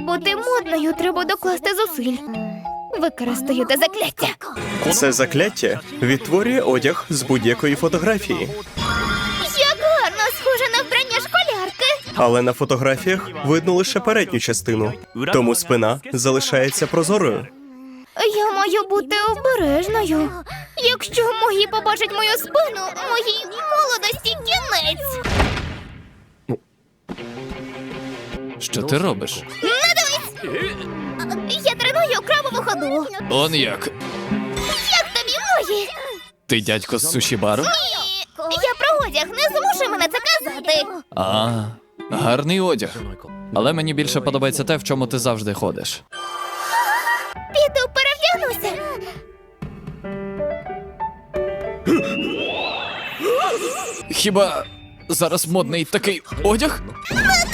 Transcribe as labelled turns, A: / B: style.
A: бути модною, треба докласти зусиль. Використаю те закляття.
B: Це закляття відтворює одяг з будь-якої фотографії.
A: Як гарно, схоже на вбрання школярки.
B: Але на фотографіях видно лише передню частину, тому спина залишається прозорою.
A: Я маю бути обережною. Якщо мої побачать мою спину, моїй молодості кінець.
C: Що ти робиш?
A: Я треную крабову ходу.
C: Он як?
A: Як тобі мої?
C: Ти дядько з суші-бару?
A: Я про одяг, не змушуй мене це казати.
C: А, гарний одяг. Але мені більше подобається те, в чому ти завжди ходиш.
A: Піду перевдягнуся.
C: Хіба зараз модний такий одяг?